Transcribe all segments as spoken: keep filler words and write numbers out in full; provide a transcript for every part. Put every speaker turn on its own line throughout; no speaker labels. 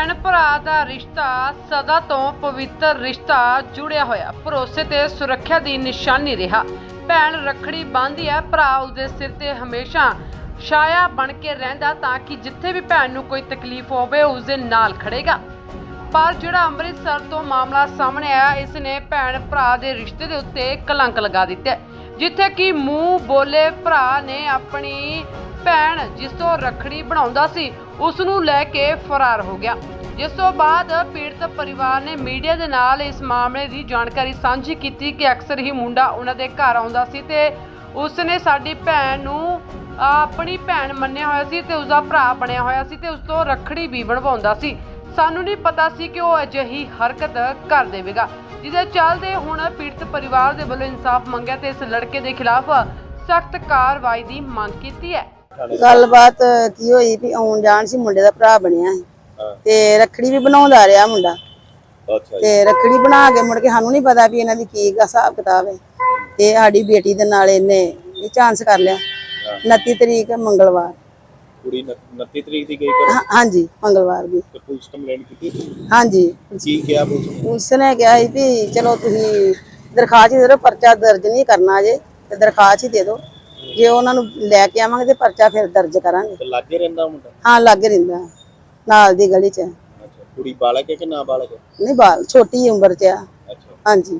ਭੈਣ ਭਰਾ ਦਾ ਰਿਸ਼ਤਾ ਸਦਾ ਤੋਂ ਪਵਿੱਤਰ ਰਿਸ਼ਤਾ ਜੁੜਿਆ ਹੋਇਆ ਭਰੋਸੇ ਤੇ ਸੁਰੱਖਿਆ ਦੀ ਨਿਸ਼ਾਨੀ ਰਿਹਾ। ਭੈਣ ਰੱਖੜੀ ਬੰਨ੍ਹਦੀ ਹੈ, ਭਰਾ ਉਸਦੇ ਸਿਰ ਤੇ ਹਮੇਸ਼ਾ ਛਾਇਆ ਬਣ ਕੇ ਰਹਿੰਦਾ ਤਾਂ ਕਿ ਜਿੱਥੇ ਵੀ ਭੈਣ ਨੂੰ ਕੋਈ ਤਕਲੀਫ ਹੋਵੇ ਉਸਦੇ ਨਾਲ ਖੜੇਗਾ। ਪਰ ਜਿਹੜਾ ਅੰਮ੍ਰਿਤਸਰ ਤੋਂ ਮਾਮਲਾ ਸਾਹਮਣੇ ਆਇਆ, ਇਸ ਨੇ ਭੈਣ ਭਰਾ ਦੇ ਰਿਸ਼ਤੇ ਦੇ ਉੱਤੇ ਕਲੰਕ ਲਗਾ ਦਿੱਤਾ, ਜਿੱਥੇ ਕਿ ਮੂੰਹ ਬੋਲੇ ਭਰਾ ਨੇ ਆਪਣੀ ਭੈਣ ਜਿਸ ਤੋਂ ਰੱਖੜੀ ਬਣਾਉਂਦਾ ਸੀ ਉਸ ਨੂੰ ਲੈ ਕੇ ਫਰਾਰ ਹੋ ਗਿਆ। ਜਿਸ ਤੋਂ ਬਾਅਦ ਪੀੜਤ ਪਰਿਵਾਰ ਨੇ ਮੀਡੀਆ ਦੇ ਨਾਲ ਇਸ ਮਾਮਲੇ ਦੀ ਜਾਣਕਾਰੀ ਸਾਂਝੀ ਕੀਤੀ ਕਿ ਅਕਸਰ ਹੀ ਮੁੰਡਾ ਉਹਨਾਂ ਦੇ ਘਰ ਆਉਂਦਾ ਸੀ ਤੇ ਉਸ ਨੇ ਸਾਡੀ ਭੈਣ ਨੂੰ ਆਪਣੀ ਭੈਣ ਮੰਨਿਆ ਹੋਇਆ ਸੀ ਤੇ ਉਸਦਾ ਭਰਾ ਬਣਿਆ ਹੋਇਆ ਸੀ ਤੇ ਉਸ ਤੋਂ ਰੱਖੜੀ ਵੀ ਬਣਵਾਉਂਦਾ ਸੀ। ਸਾਨੂੰ ਨਹੀਂ ਪਤਾ ਸੀ ਕਿ ਉਹ ਅਜਿਹੀ ਹਰਕਤ ਕਰ ਦੇਵੇਗਾ, ਜਿਹਦੇ ਚੱਲਦੇ ਹੁਣ ਪੀੜਤ ਪਰਿਵਾਰ ਦੇ ਵੱਲੋਂ ਇਨਸਾਫ ਮੰਗਿਆ ਤੇ ਇਸ ਲੜਕੇ ਦੇ ਖਿਲਾਫ ਸਖਤ ਕਾਰਵਾਈ ਦੀ ਮੰਗ ਕੀਤੀ ਹੈ।
ਗੱਲਬਾਤ ਕੀ ਹੋਈ ਵੀ ਆਉਣ ਜਾਣ ਸੀ, ਮੁੰਡੇ ਦਾ ਭਰਾ ਬਣਿਆ ਸੀ ਤੇ ਰੱਖੜੀ ਵੀ ਬਣਾਉਂਦਾ ਰਿਹਾ ਮੁੰਡਾ।
ਅੱਛਾ
ਤੇ ਰੱਖੜੀ ਬਣਾ ਕੇ ਮੁੜ ਕੇ ਸਾਨੂੰ ਨਹੀਂ ਪਤਾ ਵੀ ਇਹਨਾਂ ਦੀ ਕੀ ਹਿਸਾਬ ਕਿਤਾਬ ਹੈ ਤੇ ਸਾਡੀ ਬੇਟੀ ਦੇ ਨਾਲ ਇਹਨੇ ਇਹ ਚਾਂਸ ਕਰ ਲਿਆ। ਉਨੱਤੀ ਤਰੀਕ ਮੰਗਲਵਾਰ
ਕੁੜੀ ਉਨੱਤੀ ਤਰੀਕ ਦੀ ਗਈ ਕਰ
ਹਾਂਜੀ ਮੰਗਲਵਾਰ ਦੀ
ਤੇ ਪੁਲਿਸ ਕੰਪਲੇਂਟ ਕੀਤੀ।
ਹਾਂਜੀ
ਕੀ ਕਿਹਾ ਪੁਲਿਸ ਨੇ?
ਪੁਲਿਸ ਨੇ ਕਿਹਾ ਸੀ ਵੀ ਚਲੋ ਤੁਸੀਂ ਦਰਖਾਸਤ ਦੇ ਦਿਓ, ਪਰਚਾ ਦਰਜ ਨਹੀਂ ਕਰਨਾ ਜੇ ਤੇ ਦਰਖਾਸਤ ਹੀ ਦੇ ਦਿਓ, ਜੇ ਉਹਨਾਂ ਨੂੰ ਲੈ ਕੇ ਆਵਾਂਗੇ ਤੇ ਪਰਚਾ ਫਿਰ ਦਰਜ ਕਰਾਂਗੇ।
ਤੇ ਲਾਗੇ ਰਹਿੰਦਾ ਮੁੰਡਾ?
ਹਾਂ ਲਾਗੇ ਰਹਿੰਦਾ ਨਾਲ ਦੀ ਗਲੀ 'ਚ।
ਅੱਛਾ, ਕੁੜੀ ਬਾਲਕ ਹੈ ਕਿ ਨਾ ਬਾਲਕ ਹੈ?
ਨਹੀਂ ਬਾਲ ਛੋਟੀ ਉਮਰ 'ਚ ਆ।
ਅੱਛਾ,
ਹਾਂਜੀ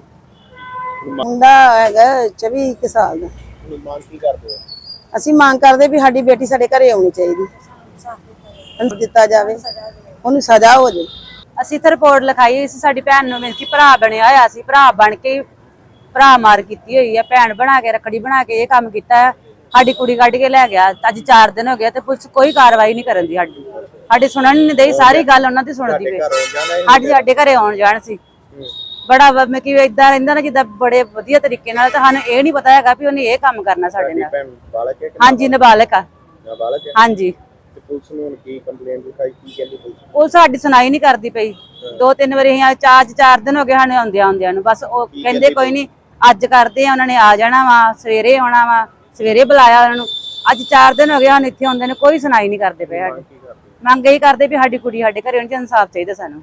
ਮੁੰਡਾ ਹੈਗਾ ਚੌਵੀ ਕੁ ਸਾਲ ਦਾ।
ਹੁਣ ਮੰਗ ਕੀ ਕਰਦੇ ਹੋ?
ਅਸੀਂ ਮੰਗ ਕਰਦੇ ਵੀ ਸਾਡੀ ਬੇਟੀ ਸਾਡੇ ਘਰੇ ਆਉਣੀ ਚਾਹੀਦੀ, ਉਹਨੂੰ ਦਿੱਤਾ ਜਾਵੇ, ਉਹਨੂੰ ਸਜ਼ਾ ਹੋ ਜਾਵੇ।
ਅਸੀਂ ਤਾਂ ਰਿਪੋਰਟ ਲਿਖਾਈ ਹੋਈ ਸੀ ਸਾਡੀ ਭੈਣ ਨੂੰ, ਮਿਲ ਕੇ ਭਰਾ ਬਣਿਆ ਹੋਇਆ ਸੀ, ਭਰਾ ਬਣ ਕੇ ਭਰਾ ਮਾਰ ਕੀਤੀ ਹੋਈ ਹੈ, ਭੈਣ ਬਣਾ ਕੇ ਰੱਖੜੀ ਬਣਾ ਕੇ ਇਹ ਕੰਮ ਕੀਤਾ ਹੈ। ਸਾਡੀ ਕੁੜੀ ਕੱਢ ਕੇ ਲੈ ਗਿਆ, ਅੱਜ ਚਾਰ ਦਿਨ ਹੋ ਗਏ ਤੇ ਪੁਲਿਸ ਕੋਈ ਕਾਰਵਾਈ ਨਹੀਂ ਕਰਨ ਦੀ। ਸਾਡੀ ਸਾਡੀ ਸੁਣਨ ਨਹੀਂ ਦਈ, ਸਾਰੀ ਗੱਲ ਉਹਨਾਂ ਦੀ ਸੁਣਦੀ ਪਈ। ਸਾਡੀ ਸਾਡੇ ਘਰੇ ਆਉਣ ਜਾਣ ਸੀ ਬੜਾ ਮੈਂ ਕਿ ਇਦਾਂ ਰਹਿੰਦਾ ਨਾ ਜਿੱਦਾਂ ਬੜੇ ਵਧੀਆ ਤਰੀਕੇ ਨਾਲ, ਤਾਂ ਸਾਨੂੰ ਇਹ ਨਹੀਂ ਪਤਾ ਹੈਗਾ ਵੀ ਉਹਨੇ ਇਹ ਕੰਮ ਕਰਨਾ ਸਾਡੇ ਨਾਲ। ਹਾਂਜੀ ਨਾਬਾਲਗ ਆ।
ਨਾਬਾਲਗ ਹੈ?
ਹਾਂਜੀ।
ਤੇ ਪੁਲਿਸ ਨੂੰ ਹੁਣ ਕੀ ਕੰਪਲੇਂਟ ਲਿਖਾਈ, ਕੀ ਕਹਿੰਦੀ ਪੁਲਿਸ?
ਉਹ ਸਾਡੀ ਸੁਣਾਈ ਨਹੀਂ ਕਰਦੀ ਪਈ। ਦੋ ਤਿੰਨ ਵਾਰੀ ਅਸੀਂ ਚਾਰ ਚਾਰ ਦਿਨ ਹੋ ਗਏ ਸਾਨੂੰ ਆਉਂਦਿਆਂ ਆਉਂਦਿਆਂ ਨੂੰ, ਬਸ ਉਹ ਕਹਿੰਦੇ ਕੋਈ ਨਹੀਂ ਅੱਜ ਕਰਦੇ ਆ, ਉਹਨਾਂ ਨੇ ਆ ਜਾਣਾ ਵਾ, ਸਵੇਰੇ ਆਉਣਾ ਵਾ, ਸਵੇਰੇ ਬੁਲਾਇਆ ਉਹਨਾਂ ਨੂੰ। ਅੱਜ ਚਾਰ ਦਿਨ ਹੋ ਗਏ ਸਾਨੂੰ ਇੱਥੇ ਆਉਂਦੇ ਨੇ, ਕੋਈ ਸੁਣਾਈ ਨਹੀਂ ਕਰਦੇ ਪਏ। ਸਾਡੀ ਮੰਗ ਇਹੀ ਕਰਦੇ ਵੀ ਸਾਡੀ ਕੁੜੀ ਸਾਡੇ ਘਰੇ ਹੋਣੀ, ਇਨਸਾਫ ਚਾਹੀਦਾ ਸਾਨੂੰ।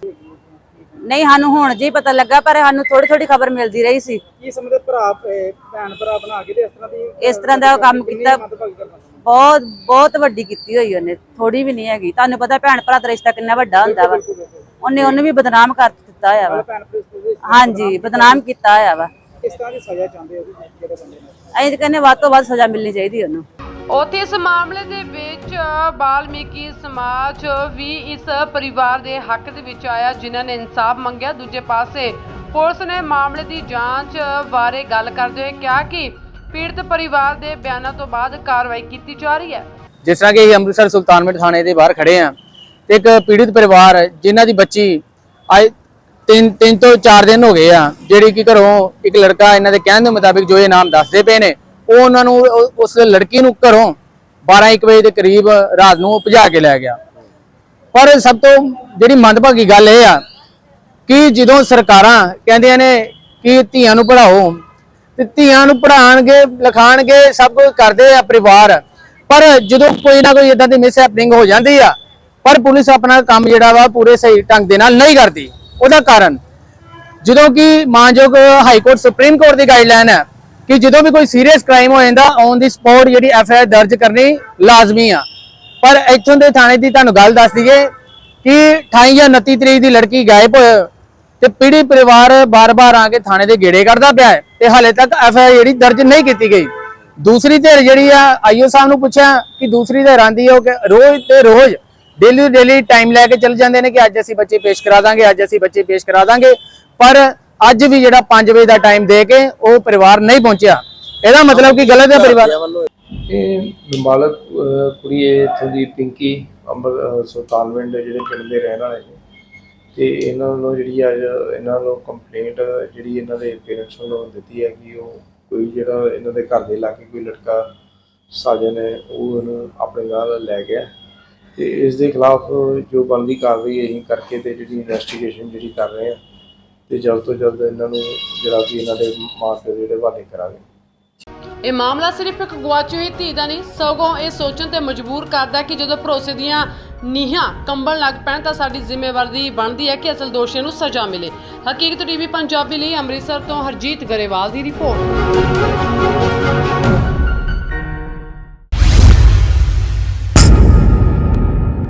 ਨਹੀਂ ਸਾਨੂੰ ਹੁਣ ਜੀ ਪਤਾ ਲੱਗਾ, ਪਰ ਸਾਨੂੰ ਥੋੜੀ ਥੋੜੀ ਖਬਰ ਮਿਲਦੀ ਰਹੀ ਸੀ।
ਕੀ ਸਮਝਦੇ ਭਰਾ ਭੈਣ ਭਰਾ ਬਣਾ ਕੇ ਤੇ ਇਸ ਤਰ੍ਹਾਂ ਦੀ
ਇਸ ਤਰ੍ਹਾਂ ਦਾ ਕੰਮ ਕੀਤਾ, ਬਹੁਤ ਬਹੁਤ ਵੱਡੀ ਕੀਤੀ ਹੋਈ ਉਹਨੇ, ਥੋੜੀ ਵੀ ਨਹੀਂ ਹੈਗੀ। ਤੁਹਾਨੂੰ ਪਤਾ ਭੈਣ ਭਰਾ ਦਾ ਰਿਸ਼ਤਾ ਕਿੰਨਾ ਵੱਡਾ ਹੁੰਦਾ ਵਾ, ਉਹਨੇ ਉਹਨੂੰ ਵੀ ਬਦਨਾਮ ਕਰ ਦਿੱਤਾ ਹੋਇਆ ਵਾ। ਹਾਂਜੀ ਬਦਨਾਮ ਕੀਤਾ ਹੋਇਆ ਵਾ।
ਕਿਸ ਤਰ੍ਹਾਂ ਦੀ ਸਜ਼ਾ ਚਾਹੁੰਦੇ ਹੋ ਜਿਹੜੇ ਬੰਦੇ ਨੂੰ?
ਅਸੀਂ ਕਹਿੰਦੇ ਵੱਧ ਤੋਂ ਵੱਧ ਸਜ਼ਾ ਮਿਲਣੀ ਚਾਹੀਦੀ ਉਹਨੂੰ।
ਉੱਥੇ ਇਸ ਮਾਮਲੇ ਦੇ ਵਿੱਚ ਵਾਲਮੀਕੀ ਸਮਾਜ ਵੀ ਇਸ ਪਰਿਵਾਰ ਦੇ ਹੱਕ ਦੇ ਵਿੱਚ ਆਇਆ, ਜਿਨ੍ਹਾਂ ਨੇ ਇਨਸਾਫ ਮੰਗਿਆ। ਦੂਜੇ ਪਾਸੇ ਪੁਲਿਸ ਨੇ ਮਾਮਲੇ ਦੀ ਜਾਂਚ ਬਾਰੇ ਗੱਲ ਕਰਦੇ ਹੋਏ ਕਿਹਾ ਕਿ ਪੀੜਤ ਪਰਿਵਾਰ ਦੇ ਬਿਆਨਾਂ ਤੋਂ ਬਾਅਦ ਕਾਰਵਾਈ ਕੀਤੀ ਜਾ ਰਹੀ ਹੈ।
ਜਿਸ ਤਰ੍ਹਾਂ ਕਿ ਅੰਮ੍ਰਿਤਸਰ ਸੁਲਤਾਨਪੁਰ ਥਾਣੇ ਦੇ ਬਾਹਰ ਖੜੇ ਆ ਤੇ ਇੱਕ ਪੀੜਤ ਪਰਿਵਾਰ ਜਿਨ੍ਹਾਂ ਦੀ ਬੱਚੀ ਅੱਜ ਤਿੰਨ ਤਿੰਨ ਤੋਂ ਚਾਰ ਦਿਨ ਹੋ ਗਏ ਆ, ਜਿਹੜੀ ਕਿ ਘਰੋਂ ਇੱਕ ਲੜਕਾ ਇਹਨਾਂ ਦੇ ਕਹਿਣ ਦੇ ਮੁਤਾਬਿਕ ਜੋ ਇਹ ਨਾਮ ਦੱਸਦੇ ਪਏ ਨੇ, ਉਹ ਉਹਨਾਂ ਨੂੰ ਉਸ ਲੜਕੀ ਨੂੰ ਘਰੋਂ ਬਾਰਾਂ ਇੱਕ ਵਜੇ ਦੇ ਕਰੀਬ ਰਾਤ ਨੂੰ ਭਜਾ ਕੇ ਲੈ ਗਿਆ। ਪਰ ਸਭ ਤੋਂ ਜਿਹੜੀ ਮੰਦਭਾਗੀ ਗੱਲ ਇਹ ਆ ਕਿ ਜਦੋਂ ਸਰਕਾਰਾਂ ਕਹਿੰਦੀਆਂ ਨੇ ਕਿ ਧੀਆਂ ਨੂੰ ਪੜ੍ਹਾਓ ਤੇ ਧੀਆਂ ਨੂੰ ਪੜ੍ਹਾਉਣਗੇ ਲਿਖਾਉਣਗੇ ਸਭ ਕੁਝ ਕਰਦੇ ਆ ਪਰਿਵਾਰ, ਪਰ ਜਦੋਂ ਕੋਈ ਨਾ ਕੋਈ ਇਦਾਂ ਦੀ ਮਿਸ ਹੈਪਨਿੰਗ ਹੋ ਜਾਂਦੀ ਆ ਪਰ ਪੁਲਿਸ ਆਪਣਾ ਕੰਮ ਜਿਹੜਾ ਵਾ ਪੂਰੇ ਸਹੀ ਢੰਗ ਦੇ ਨਾਲ ਨਹੀਂ ਕਰਦੀ। ਉਹਦਾ ਕਾਰਨ ਜਦੋਂ ਕਿ ਮਾਨਯੋਗ ਹਾਈ ਕੋਰਟ ਸੁਪਰੀਮ ਕੋਰਟ ਦੀ ਗਾਈਡਲਾਈਨ ਹੈ ਕਿ ਜਦੋਂ ਵੀ ਕੋਈ ਸੀਰੀਅਸ ਕ੍ਰਾਈਮ ਹੋ ਜਾਂਦਾ ਔਨ ਦੀ ਸਪੌਟ ਜਿਹੜੀ ਐਫ ਆਈ ਆਰ ਦਰਜ ਕਰਨੀ ਲਾਜ਼ਮੀ ਆ। ਪਰ ਇੱਥੋਂ ਦੇ ਥਾਣੇ ਦੀ ਤੁਹਾਨੂੰ ਗੱਲ ਦੱਸ ਦਈਏ ਕਿ ਅਠਾਈ ਜਾਂ ਉਨੱਤੀ ਤਰੀਕ ਦੀ ਲੜਕੀ ਗਾਇਬ ਹੋਏ ਤੇ ਪੀੜ੍ਹੀ ਪਰਿਵਾਰ ਬਾਰ-ਬਾਰ ਆ ਕੇ ਥਾਣੇ ਦੇ ਗੇੜੇ ਕੱਢਦਾ ਪਿਆ ਹੈ ਤੇ ਹਾਲੇ ਤੱਕ ਐਫ ਆਈ ਆਰ ਜਿਹੜੀ ਦਰਜ ਨਹੀਂ ਕੀਤੀ ਗਈ। ਦੂਸਰੀ ਧਿਰ ਜਿਹੜੀ ਆ ਆਈਓ ਸਾਹਿਬ ਨੂੰ ਪੁੱਛਿਆ ਕਿ ਦੂਸਰੀ ਧਿਰ ਆਂਦੀ ਹੈ ਕਿ ਰੋਜ਼ ਤੇ ਰੋਜ਼ ਡੇਲੀ ਡੇਲੀ ਟਾਈਮ ਲੈ ਕੇ ਚੱਲ ਜਾਂਦੇ ਨੇ ਕਿ ਅੱਜ ਅਸੀਂ ਬੱਚੇ ਪੇਸ਼ ਕਰਾ ਦਾਂਗੇ, ਅੱਜ ਅਸੀਂ ਬੱਚੇ ਪੇਸ਼ ਕਰਾ ਦਾਂਗੇ, ਪਰ ਅੱਜ ਵੀ ਜਿਹੜਾ ਪੰਜ ਵਜੇ ਦਾ ਟਾਈਮ ਦੇ ਕੇ ਉਹ ਪਰਿਵਾਰ ਨਹੀਂ ਪਹੁੰਚਿਆ। ਇਹਦਾ ਮਤਲਬ ਕਿ ਗਲਤ ਹੈ ਪਰਿਵਾਰ।
ਇਹ ਨਾਬਾਲਗ ਕੁੜੀ ਇੱਥੋਂ ਦੀ ਪਿੰਕੀ ਅੰਬਰ ਸੁਲਤਾਨਵਿੰਡ ਜਿਹੜੇ ਪਿੰਡ ਦੇ ਰਹਿਣ ਵਾਲੇ ਨੇ ਤੇ ਇਹਨਾਂ ਵੱਲੋਂ ਜਿਹੜੀ ਅੱਜ ਇਹਨਾਂ ਵੱਲੋਂ ਕੰਪਲੇਂਟ ਜਿਹੜੀ ਇਹਨਾਂ ਦੇ ਪੇਰੈਂਟਸ ਵੱਲੋਂ ਦਿੱਤੀ ਹੈ ਕਿ ਉਹ ਕੋਈ ਜਿਹੜਾ ਇਹਨਾਂ ਦੇ ਘਰ ਦੇ ਲਾਗੇ ਕੋਈ ਲੜਕਾ ਸਾਜਨ ਹੈ ਉਹ ਉਹਨੂੰ ਆਪਣੇ ਨਾਲ ਲੈ ਗਿਆ ਤੇ ਇਸ ਦੇ ਖਿਲਾਫ ਜੋ ਬਣਦੀ ਕਾਰਵਾਈ ਅਸੀਂ ਕਰਕੇ ਤੇ ਜਿਹੜੀ ਇਨਵੈਸਟੀਗੇਸ਼ਨ ਜਿਹੜੀ ਕਰ ਰਹੇ ਹਾਂ ਤੇ ਜਲਦ ਤੋਂ ਜਲਦ ਇਹਨਾਂ ਨੂੰ ਜਿਹੜਾ ਕਿ ਇਹਨਾਂ ਦੇ ਮਾਂ ਪਿਓ ਜਿਹੜੇ ਹਵਾਲੇ ਕਰਾਂਗੇ।
ਇਹ ਮਾਮਲਾ ਸਿਰਫ ਇੱਕ ਗੁਆਚੀ ਹੋਈ ਧੀ ਦਾ ਨਹੀਂ, ਸਗੋਂ ਇਹ ਸੋਚਣ ਤੇ ਮਜਬੂਰ ਕਰਦਾ ਕਿ ਜਦੋਂ ਭਰੋਸੇ ਦੀਆਂ ਨੀਹਾਂ ਕੰਬਣ ਲੱਗ ਪੈਣ ਤਾਂ ਸਾਡੀ ਜ਼ਿੰਮੇਵਾਰੀ ਬਣਦੀ ਹੈ ਕਿ ਅਸਲ ਦੋਸ਼ੀਆਂ ਨੂੰ ਸਜ਼ਾ ਮਿਲੇ। ਹਕੀਕਤ ਟੀਵੀ ਪੰਜਾਬੀ ਲਈ ਅੰਮ੍ਰਿਤਸਰ ਤੋਂ ਹਰਜੀਤ ਗਰੇਵਾਲ ਦੀ ਰਿਪੋਰਟ।